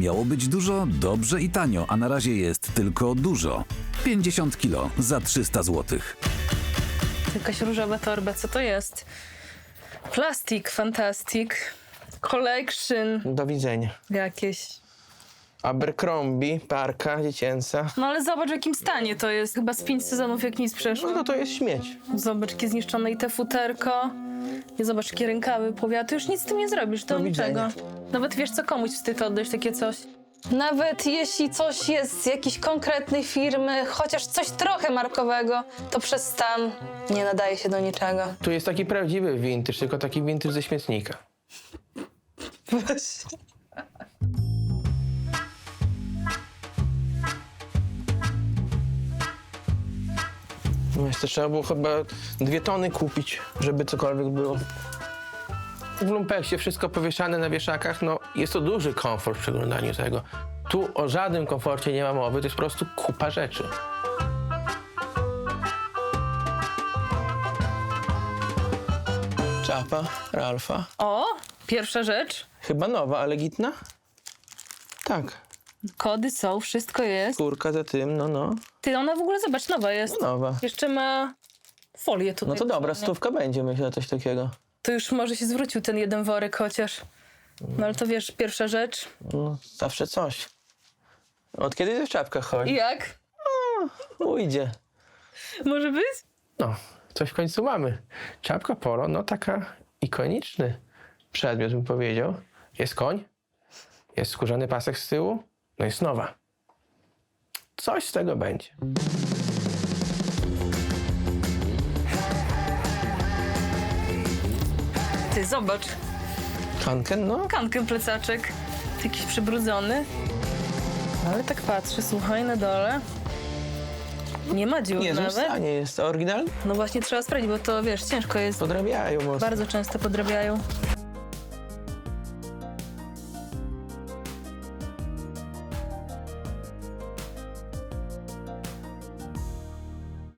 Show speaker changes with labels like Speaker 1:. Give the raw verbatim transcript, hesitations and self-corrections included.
Speaker 1: Miało być dużo, dobrze i tanio, a na razie jest tylko dużo. pięćdziesiąt kilo za trzysta złotych.
Speaker 2: Jakaś różowa torba, co to jest? Plastik, fantastic. Collection
Speaker 3: Do widzenia.
Speaker 2: jakieś.
Speaker 3: Abercrombie, parka dziecięca.
Speaker 2: No ale zobacz, w jakim stanie to jest. Chyba z pięć sezonów jak nic przeszło.
Speaker 3: No to to jest śmieć.
Speaker 2: Zobacz, jakie zniszczone i te futerko. I zobacz, jakie rękawy powiaty. Już nic z tym nie zrobisz, to
Speaker 3: Do
Speaker 2: niczego.
Speaker 3: widzenia.
Speaker 2: Nawet wiesz co, komuś wstyd oddać takie coś. Nawet jeśli coś jest z jakiejś konkretnej firmy, chociaż coś trochę markowego, to przez stan nie nadaje się do niczego.
Speaker 3: Tu jest taki prawdziwy vintage, tylko taki vintage ze śmietnika. No jeszcze trzeba było chyba dwie tony kupić, żeby cokolwiek było. W lumpeksie wszystko powieszane na wieszakach, no jest to duży komfort w przeglądaniu tego. Tu o żadnym komforcie nie ma mowy, to jest po prostu kupa rzeczy. Czapa, Ralfa.
Speaker 2: O, pierwsza rzecz.
Speaker 3: Chyba nowa, ale gitna? Tak.
Speaker 2: Kody są, wszystko jest.
Speaker 3: Kurka za tym, no no.
Speaker 2: Ty, ona w ogóle, zobacz, nowa jest.
Speaker 3: No nowa.
Speaker 2: Jeszcze ma folię tutaj.
Speaker 3: No to dobra,
Speaker 2: dosłownie.
Speaker 3: stówka będzie, myślę, coś takiego.
Speaker 2: To już może się zwrócił ten jeden worek chociaż. No ale to wiesz, pierwsza rzecz.
Speaker 3: No, zawsze coś. Od kiedy w czapkach
Speaker 2: I
Speaker 3: chodzi?
Speaker 2: jak?
Speaker 3: Ujdzie.
Speaker 2: Może być?
Speaker 3: No, coś w końcu mamy. Czapka polo, no taka ikoniczny przedmiot, bym powiedział. Jest koń, jest skórzany pasek z tyłu, no jest nowa. Coś z tego będzie.
Speaker 2: Ty, zobacz.
Speaker 3: Hanken, no.
Speaker 2: Kankę plecaczek. Jakiś przybrudzony. Ale tak patrzę, słuchaj, na dole. Nie ma dziur
Speaker 3: Nie, w
Speaker 2: nawet.
Speaker 3: stanie jest oryginalny.
Speaker 2: No właśnie trzeba sprawdzić, bo to wiesz, ciężko jest.
Speaker 3: Podrabiają mocno.
Speaker 2: Bardzo często podrabiają.